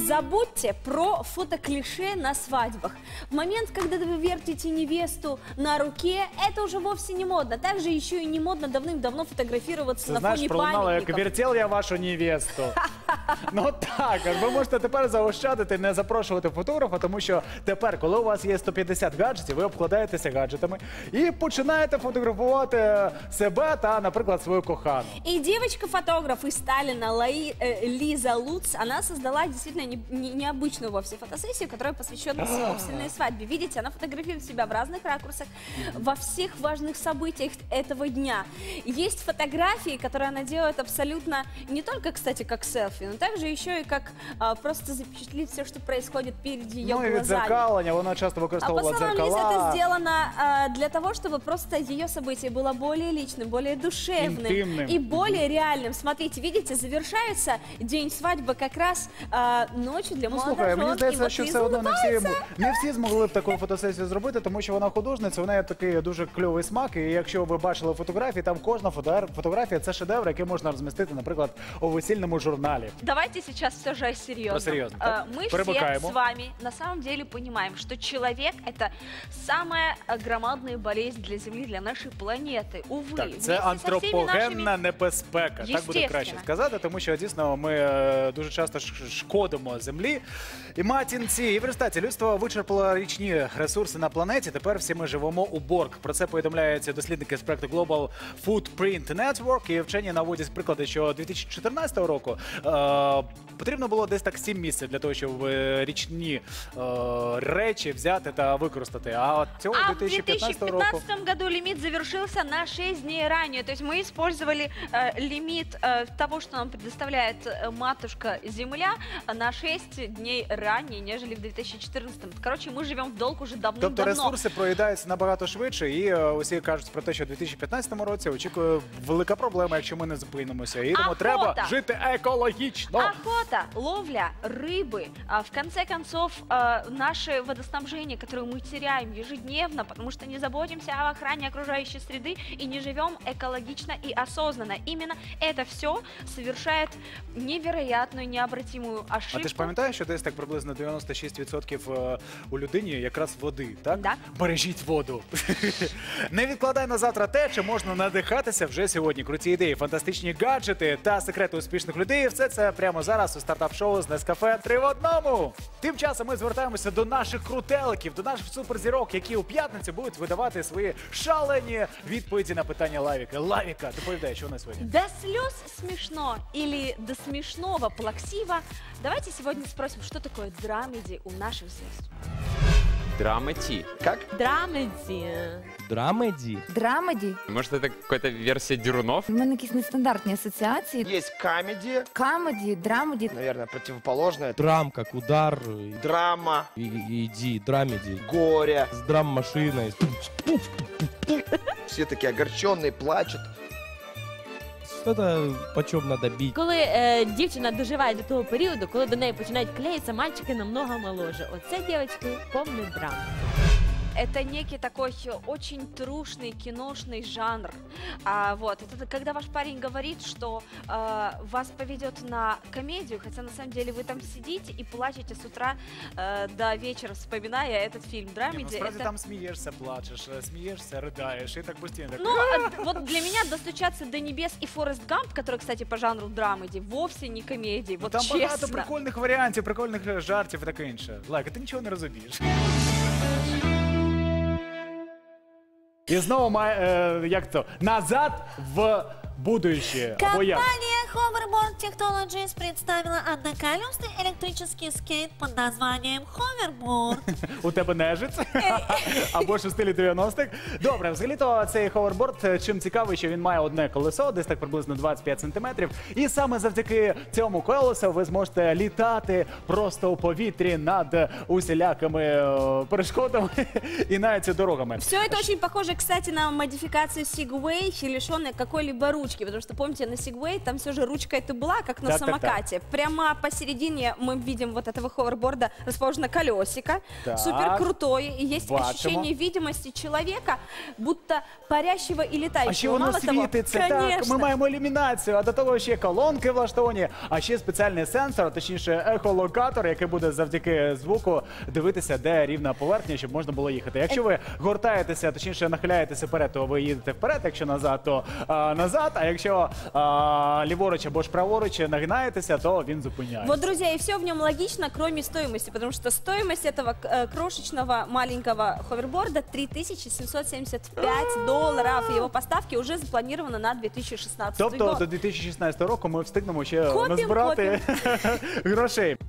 Забудьте про фотоклише на свадьбах. В момент, когда вы вертите невесту на руке, это уже вовсе не модно. Также еще и не модно давным-давно фотографироваться на фоне пам'ятників. Як вертел я вашу невесту. Ну так, ви можете тепер заощадити, не запрошувати фотографа, тому що тепер, коли у вас є 150 гаджетів, ви обкладаєтеся гаджетами і починаєте фотографувати себе та, наприклад, свою кохану. И девочка-фотограф из Сталина Лиза Луц, она создала действительно необычную вовсе фотосессию, которая посвящена собственной свадьбе. Видите, она фотографирует себя в разных ракурсах, во всех важных событиях этого дня. Есть фотографии, которые она делает абсолютно не только, кстати, как селфи, но также еще и как просто запечатлеть все, что происходит перед ее глазами. Ну и відзеркалення, вона часто використовувала дзеркала. дзеркала. Это сделано для того, чтобы просто ее событие было более личным, более душевным, интимным и более реальным. Смотрите, видите, завершается день свадьбы как раз ночью для молодожен. Мені здається, що все одно не всі змогли б таку фотосесію зробити, тому що вона художниця, вона є такий дуже кльовий смак, і якщо ви бачили фотографії, там кожна фотографія – це шедевр, який можна розмістити, наприклад, у весільному журналі. Давайте сейчас все же серьезно. Мы все с вами на самом деле понимаем, что человек – это самая громадная болезнь для Земли, для нашей планети. Увы. Так, це антропогенна небезпека, так буде краще сказати, тому що дійсно ми дуже часто шкодимо Землі і матінці. І в результаті людство вичерпало річні ресурси на планеті, тепер всі ми живемо у борг. Про це повідомляють дослідники з проекту Global Footprint Network, і вчені наводять приклади, що 2014 року потрібно було десь так 7 місяців для того, щоб річні речі взяти та використати. А цього 2015 року... в 2015 году лимит завершился на 6 дней ранее. То есть мы использовали лимит того, что нам предоставляет матушка Земля, на 6 дней ранее, нежели в 2014. Короче, мы живем в долг уже давно-давно. Тобто ресурси проїдаються набагато швидше, і усі кажуть про те, що в 2015 році очікує велика проблема, якщо ми не зупинимося. І тому треба жити екологічно. Охота, ловля, рыбы, в конце концов, наше водоснабжение, которое мы теряем ежедневно, потому что не заботимся о охране окружающей среды и не живем экологично и осознанно. Именно это все совершает невероятную, необратимую ошибку. А ти ж пам'ятаєш, що десь так приблизно 96% у людині якраз води, так? Да. Бережіть воду. Не відкладай на завтра те, чи можна надихатися вже сьогодні. Круті ідеї, фантастичні гаджети та секрети успішних людей. Все це прямо зараз у стартап-шоу з Nescafé 3 в одному. Тим часом ми звертаємося до наших крутеликів, до наших суперзірок, які у п'ятницю будуть видавати свої шалені відповіді на питання Лавіка. Лавіка, доповідай, що у нас сьогодні? До слез смешно или до смешного плаксиво? Давайте сегодня спросим, что такое драмеди у наших звезд. Драмеди. Как? Драмеди. Драмеди? Драмеди? Может, это какая-то версия Дерунов? У мене якісь нестандартні асоціації. Есть комедия, Камеді, драмеді. наверное, противоположное. Драм, как удар. Драма, Иди, драмеди. горе. С драм-машиной. Все такие огорченные, плачут. Что-то почем надо бить. Коли дівчина доживає до того періоду, коли до неї починають клеїтися мальчики намного моложе. Оце, дівчатки, повний драм. Это некий такой очень трушный киношный жанр. Это когда ваш парень говорит, что вас поведет на комедию, хотя на самом деле вы там сидите и плачете с утра до вечера, вспоминая этот фильм. Драмеди. Насправді там смієшся, плачеш, смієшся, ридаєш і так постійно. Ну, вот для меня «Достучаться до небес» и «Форест Гамп», который, кстати, по жанру драмеди, вовсе не комедии, вот там честно. багато прикольних варіантів, прикольних жартів і таке інше. Лайка, ти нічого не розумієш. І знову, як це, назад в будущее. Компания Hoverboard Technologies представила одноколесный электрический скейт под названием Hoverboard. У тебе нежиць? Або ж у стилі 90-х. Добре, взагалі-то цей ховерборд чим цікавий, що він має одне колесо, десь так приблизно 25 сантиметрів. І саме завдяки цьому колесу ви зможете літати просто у повітрі над усілякими перешкодами і навіть дорогами. Все это очень похоже, кстати, на модификацию Segway, лишенной какой-либо ручки. Потому что, помните, на Segway там все же же ручкой ты была, как на Так-так-так. самокате. Прямо посередине мы видим вот этого ховерборда расположено колесико. Так. Супер крутое. И есть Бачимо. ощущение видимости человека, будто парящего и летающего. А ще воно Мало того, світиться, так, конечно. ми маємо ілюмінацію, а до того ще колонки влаштовані, а ще спеціальний сенсор, а точніше ехолокатор, який буде завдяки звуку дивитися, де рівна поверхня, щоб можна було їхати. Якщо ви гортаєтеся, точніше нахиляєтеся вперед, то ви їдете вперед, якщо назад, то назад, а якщо ліворуч або ж праворуч нагинаєтеся, то він зупиняється. Вот, друзья, и все в нем логично, кроме стоимости, потому что стоимость этого крошечного маленького ховерборда $3775. Его поставки уже запланированы на 2016 Тобто год. до 2016 року ми встигнемо ще Копім, назбирати грошей.